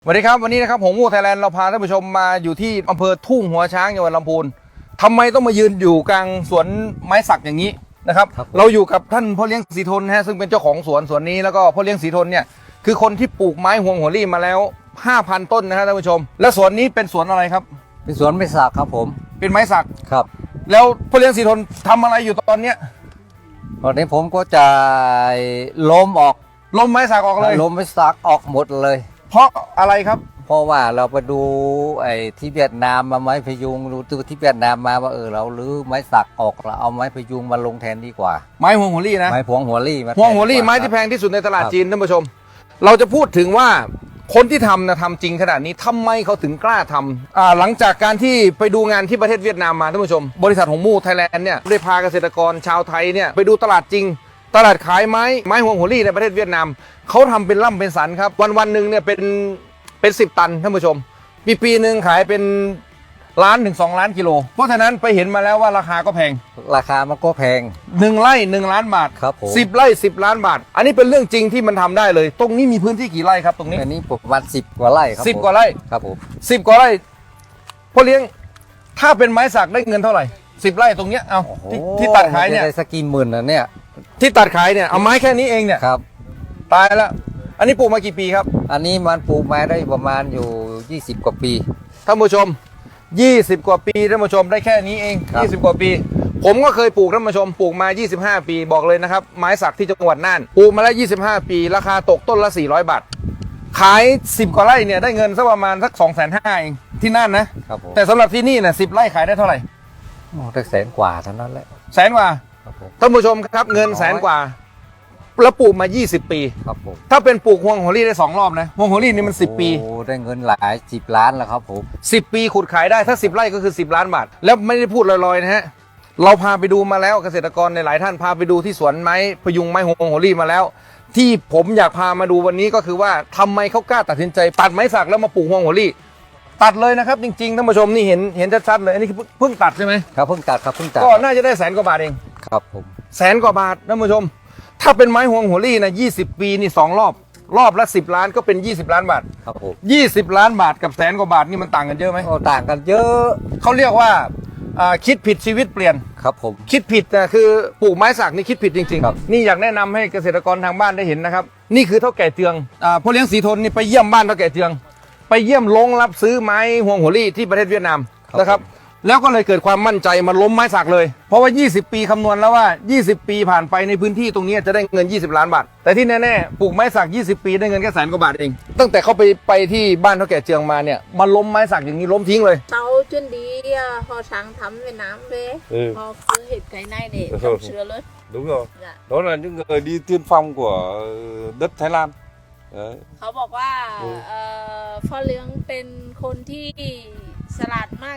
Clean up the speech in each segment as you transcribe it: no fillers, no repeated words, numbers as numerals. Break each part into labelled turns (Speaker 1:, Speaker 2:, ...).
Speaker 1: สวัสดีครับวันนี้นะครับหงมูไทยแลนด์เราพาท่านผู้ชมมาอยู่ที่อำเภอทุ่งหัวช้างจังหวัดลำพูนทำไมต้องมายืนอยู่กลางสวนไม้สักอย่างนี้นะครับเราอยู่กับท่านพ่อเลี้ยงศรีทนฮะซึ่งเป็นเจ้าของสวนนี้แล้วก็พ่อเลี้ยงศรีทนเนี่ยคือคนที่ปลูกไม้ฮวงหัวรี่มาแล้ว 5,000 ต้นนะครับท่านผู้ชมและสวนนี้เป็นสวนอะไรครับ
Speaker 2: เป็นสวนไม้สักครับผม
Speaker 1: เป็นไม้สัก
Speaker 2: ครับ
Speaker 1: แล้วพ่อเลี้ยงศรีทนทำอะไรอยู่ตอนเนี้ย
Speaker 2: ตอนนี้ผมก็จะล้ม
Speaker 1: ไม้สักออกเลย
Speaker 2: ล้มไม้สักออกหมดเลย
Speaker 1: เพราะอะไรครับ
Speaker 2: เพราะว่าเราไปดูไอ้ที่เวียดนามมาไม้พยุงดูที่เวียดนามมาว่าเราลื้อไม้สักออกเราเอาไม้พยุงมาลงแทนดีกว่า
Speaker 1: ไม้ฮวงหัวรี่นะ
Speaker 2: ไม้พวงหัวรี่
Speaker 1: ฮวงหัวรี่ไม้ที่แพงที่สุดในตลาดจีนท่านผู้ชมเราจะพูดถึงว่าคนที่ทำจริงขนาดนี้ทำไมเขาถึงกล้าทำหลังจากการที่ไปดูงานที่ประเทศเวียดนามมาท่านผู้ชมบริษัทหงมูไทยแลนด์เนี่ยได้พาเกษตรกรชาวไทยเนี่ยไปดูตลาดจริงตลาดขายไม้ฮวงหัวรี่ในประเทศเวียดนามเขาทำเป็นล่ำเป็นสันครับวันหนึ่งเนี่ยเป็น10 ตันท่านผู้ชมปีหนึ่งขายเป็น1 ล้านถึง2 ล้านกิโลเพราะฉะนั้นไปเห็นมาแล้วว่าราคาก็แพง
Speaker 2: ราคามันก็แพง
Speaker 1: 1 ไร่1 ล้านบาท
Speaker 2: ครับผม
Speaker 1: 10 ไร่10 ล้านบาทอันนี้เป็นเรื่องจริงที่มันทำได้เลยตรงนี้มีพื้นที่กี่ไร่ครับตรงนี้
Speaker 2: อันนี้ประมาณ10 กว่าไร่ครับ
Speaker 1: 10 กว่าไร่
Speaker 2: ครับผม
Speaker 1: 10 กว่าไร่พ่อเลี้ยงถ้าเป็นไม้สักได้เงินเท่าไหร่10 ไร่ตรงเนี้ยเอาที่ตัดขายเนี่ย
Speaker 2: ได้สักกี่หมื่นนะเนี่ย
Speaker 1: ที่ตัดขายเนี่ยเอาไม้แค่นี้เองเนี่ย
Speaker 2: ครับ
Speaker 1: ตายแล้วอันนี้ปลูกมากี่ปีครับ
Speaker 2: อันนี้มันปลูกมาได้ประมาณอยู่20 กว่าปี
Speaker 1: ท่านผู้ชม20 กว่าปีท่านผู้ชมได้แค่นี้เอง20 กว่าปีผมก็เคยปลูกท่านผู้ชมปลูกมา25 ปีบอกเลยนะครับไม้สักที่จังหวัดน่านปลูกมาแล้ว25 ปีราคาตกต้นละ400 บาทขาย10 กว่าไร่เนี่ยได้เงินสักประมาณสัก 250,000 เองที่น่านนะแต่สำหรับที่นี่เนี่ย10 ไร่ขายได้เท่าไหร่
Speaker 2: ได้100,000 กว่าเท่านั้นแหละ
Speaker 1: 100,000 กว่าท่านผู้ชมครับเงิน100,000 กว่าแล้วปลูกมา20 ปี
Speaker 2: ครับผม
Speaker 1: ถ้าเป็นปลูกฮวงหัวรี่ได้2 รอบนะฮวงหัวรี่นี่มัน10 ปี
Speaker 2: โอ้ได้เงินหลาย10 ล้านแล้วครับผม
Speaker 1: 10 ปีขุดขายได้ถ้า10 ไร่ก็คือ10 ล้านบาทแล้วไม่ได้พูดลอยๆนะฮะเราพาไปดูมาแล้วเกษตรกรในหลายท่านพาไปดูที่สวนไม้พยุงไม้ฮวงหัวรี่มาแล้วที่ผมอยากพามาดูวันนี้ก็คือว่าทำไมเขากล้าตัดสินใจตัดไม้สักแล้วมาปลูกฮวงหัวรี่ตัดเลยนะครับจริงๆท่านผู้ชมนี่เห็นชัดๆเลยอันนี้คือเพิ่งตัดใช่ไหม
Speaker 2: ครับเพิ่งตัดครับเพิ่งตัด
Speaker 1: ก็น่าจะได้100,000 กว่าบาทเอง
Speaker 2: ครับผม
Speaker 1: 100,000 กว่าบาทท่านผู้ชมถ้าเป็นไม้ฮวงหัวรี่นะ20 ปีนี่2 รอบละ10 ล้านก็เป็น20 ล้านบาท
Speaker 2: ครับผม
Speaker 1: 20 ล้านบาทกับ100,000 กว่าบาทนี่มันต่างกันเยอะไหม
Speaker 2: โอ้ต่างกันเยอะ
Speaker 1: เขาเรียกว่าคิดผิดชีวิตเปลี่ยน
Speaker 2: ครับผม
Speaker 1: คิดผิดนะคือปลูกไม้สักนี่คิดผิดจริงๆนี่อยากแนะนำให้เกษตรกรทางบ้านได้เห็นนะครับนี่คือเท่าแก่เจืองพ่อเลี้ยงศรีทนนี่ไปเยี่ยมบ้านเท่าแก่เจืองไปเยี่ยมโรงรับซื้อไม้ฮวงหัวรี่ที่ประเทศเวียดนามนะครับแล้วก็เลยเกิดความมั่นใจมาล้มไม้สักเลยเพราะว่า20 ปีคำนวณแล้วว่า20 ปีผ่านไปในพื้นที่ตรงนี้จะได้เงิน20 ล้านบาทแต่ที่แน่ๆปลูกไม้สัก20 ปีได้เงินแค่100,000 กว่าบาทเองตั้งแต่เขาไปที่บ้านเท่าแก่เจืองมาเนี่ยมาล้มไม้สักอย่างนี้ล้มทิ้งเลย
Speaker 3: tao chuyên đi họ sáng thăm Việt Nam về họ cứ hết cái này để trồng sữa lớn
Speaker 4: đúng rồi đó là những người đi tiên phong của đất Thái Lan đấy
Speaker 3: เขาบอกว่าพ่อเลี้ยงเป็นคนที่ฉลาดมาก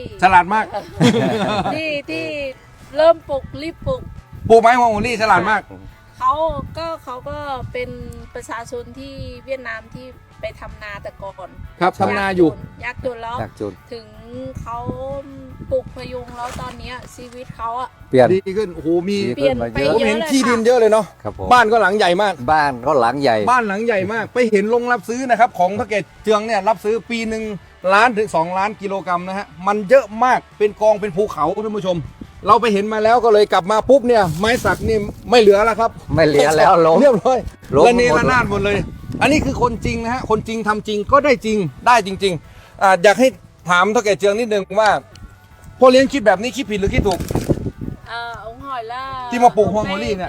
Speaker 3: ที่เริ่มปลูกรีบป
Speaker 1: ลูกไม้ฮวงหัวรี่ฉลาดมาก
Speaker 3: เขาก็เป็นประชาชนที่เวียดนามที่ไปทำนาแต่ก่อน
Speaker 1: ครับทำนาอยู่
Speaker 3: ยากจนแล้วถึงเขาปลูกพยุงแล้วตอนนี้ชีวิตเขาอะ
Speaker 2: เปลี่ยน
Speaker 1: ดีขึ้นโอ้โหมี
Speaker 3: เปลี่ยนไปเยอะ
Speaker 1: ผมเห็นที่ดินเยอะเลยเนาะบ้านก็หลังใหญ่มาก
Speaker 2: บ้านก็หลังใหญ่
Speaker 1: มากไปเห็นโรงรับซื้อนะครับของเท่าแก่เจืองเนี่ยรับซื้อปีหนึ่ง1 ล้านถึง2 ล้านกิโลกรัมนะฮะมันเยอะมากเป็นกองเป็นภูเขาท่านผู้ชมเราไปเห็นมาแล้วก็เลยกลับมาปุ๊บเนี่ยไม้สักนี่ไม่เหลือแล้วครับ
Speaker 2: ไม่เหลือแล้วล้ม
Speaker 1: เรียบร้อยระเนระนาดหมดเลยอันนี้คือคนจริงนะฮะคนจริงทำจริงก็ได้จริงอยากให้ถามเท่าแก่เจืองนิดนึงว่าพ่อเลี้ยงคิดแบบนี้คิดผิดหรือคิดถูก
Speaker 3: ông hỏi là
Speaker 1: ที่มาปลูกฮวงหัวรี่เนี่ย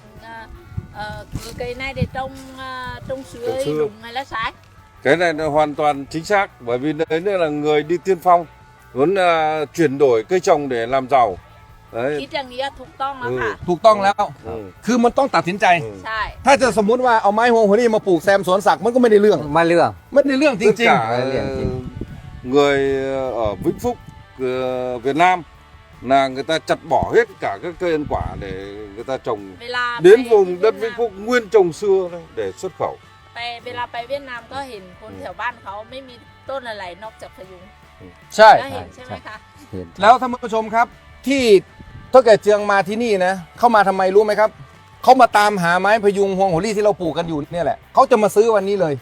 Speaker 3: cái này để trồng sữa đúng hay là sai
Speaker 4: cái này là hoàn toàn chính xác bởi vì đấy là người đi tiên phong muốn chuyển đổi cây trồng để làm giàu đấy
Speaker 3: คิดอย่างนี้ถูกต้องแล้วค่ะ
Speaker 1: ถูกต้องแล้วคือมันต้องตัดสินใจ
Speaker 3: ใช่
Speaker 1: ถ้าจะสมมุติว่าเอาไม้ฮวงหัวรี่มาปลูกแซมสวนสักมันก็ไม่ได้เรื่อง
Speaker 2: ไม่ได้เ
Speaker 1: รื่องจริง
Speaker 4: ๆngười ở Vĩnh Phúc Việt Nam là người ta chặt bỏ hết cả các cây ăn quả để người ta trồng đến vùng đất Vĩnh Phúc nguyên trồng xưa để xuất khẩu
Speaker 3: เวลาไปเวียดนามก็เห็นคนแถวบ้านเขาไม่มีต้นอะไรนอกจากพยุง
Speaker 1: ใช่
Speaker 3: เห็นใช่ไหมคะ
Speaker 1: แล้วท่านผู้ชมครับที่เท่าแก่เจืองมาที่นี่นะเข้ามาทำไมรู้ไหมครับเขามาตามหาไม้พยุงฮวงหัวรี่ที่เราปลูกกันอยู่เนี่ยแหละเขาจะมาซื้อวันนี้เลย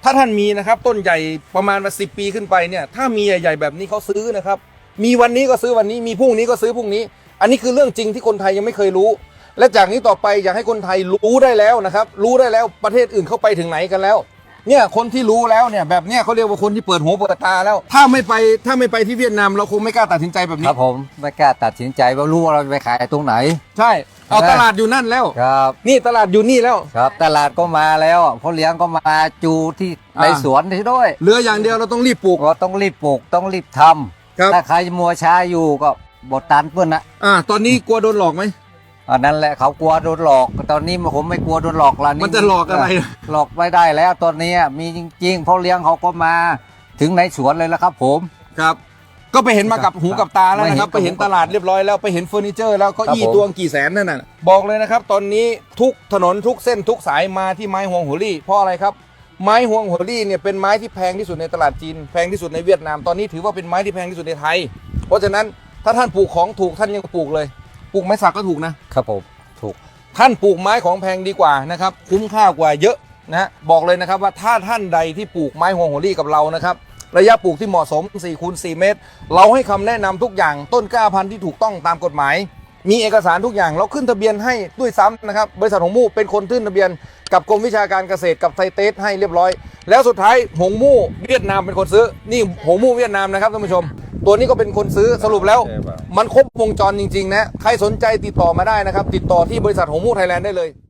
Speaker 1: ถ้าท่านมีนะครับต้นใหญ่ประมาณมา10 ปีขึ้นไปเนี่ยถ้ามีใหญ่ๆแบบนี้เขาซื้อนะครับมีวันนี้ก็ซื้อวันนี้มีพรุ่งนี้ก็ซื้อพรุ่งนี้ อันนี้คือเรื่องจริงที่คนไทยยังไม่เคยรู้ และจากนี้ต่อไปอยากให้คนไทยรู้ได้แล้วนะครับรู้ได้แล้วประเทศอื่นเข้าไปถึงไหนกันแล้วเนี่ยคนที่รู้แล้วเนี่ยแบบเนี้ยเขาเรียกว่าคนที่เปิดหูเปิดตาแล้วถ้าไม่ไปที่เวียดนามเราคงไม่กล้าตัดสินใจแบบ
Speaker 2: ค
Speaker 1: นี้
Speaker 2: รับผมไม่กล้าตัดสินใจว่ารู้ว่าเราจะไปขายตรงไหน
Speaker 1: ใช่เอาตลาดอยู่นั่นแล้ว
Speaker 2: ครับ
Speaker 1: นี่ตลาดอยู่นี่แล้ว
Speaker 2: ครับตลาดก็มาแล้วพ่อเลี้ยงก็มาจูที่ในสวนที่ด้วย
Speaker 1: เหลืออย่างเดียวเราต้องรีบปลูก
Speaker 2: ก็ต้องรีบปลูกต้องรีบท
Speaker 1: ครับ
Speaker 2: ำถ้าใครมัวช้าอยู่ก็บดตันเพื่อนนะ
Speaker 1: ตอนนี้กลัวโดนหลอกไหม
Speaker 2: อันนั้นแหละเขากลัวโดนหลอกตอนนี้ผมไม่กลัวโดนหลอกละ
Speaker 1: มันจะหลอกอะไร
Speaker 2: หลอกไม่ได้แล้วตอนนี้มีจริงๆพ่อเลี้ยงเขาก็มาถึงในสวนเลยแล้วครับผม
Speaker 1: ครับก็ไปเห็นมากับหูกับตาแล้วนะครับไปเห็นตลาดเรียบร้อยแล้วไปเห็นเฟอร์นิเจอร์แล้วก็อี้ตัวกี่แสนนั่นน่ะบอกเลยนะครับตอนนี้ทุกถนนทุกเส้นทุกสายมาที่ไม้ฮวงหัวลี่เพราะอะไรครับไม้ฮวงหัวลี่เนี่ยเป็นไม้ที่แพงที่สุดในตลาดจีนแพงที่สุดในเวียดนามตอนนี้ถือว่าเป็นไม้ที่แพงที่สุดในไทยเพราะฉะนั้นถ้าท่านปลูกของถูกท่านยังปลูกเลยปลูกไม้สักก็ถูกนะครับ
Speaker 2: ผมถูก
Speaker 1: ท่านปลูกไม้ของแพงดีกว่านะครับคุ้มค่ากว่าเยอะนะบอกเลยนะครับว่าถ้าท่านใดที่ปลูกไม้ฮวงหัวลี่กับเรานะครับระยะปลูกที่เหมาะสม4 คูณ 4 เมตรเราให้คำแนะนำทุกอย่างต้นกล้าพันธุ์ที่ถูกต้องตามกฎหมายมีเอกสารทุกอย่างเราขึ้นทะเบียนให้ด้วยซ้ำนะครับบริษัทหงมู่เป็นคนขึ้นทะเบียนกับกรมวิชาการเกษตรกับไทเตสให้เรียบร้อยแล้วสุดท้ายหงมู่เวียดนามเป็นคนซื้อนี่หงมู่เวียดนามนะครับท่านผู้ชมตัวนี้ก็เป็นคนซื้อสรุปแล้วมันครบวงจรจริงๆนะใครสนใจติดต่อมาได้นะครับติดต่อที่บริษัทหงมู่ไทยแลนด์ได้เลย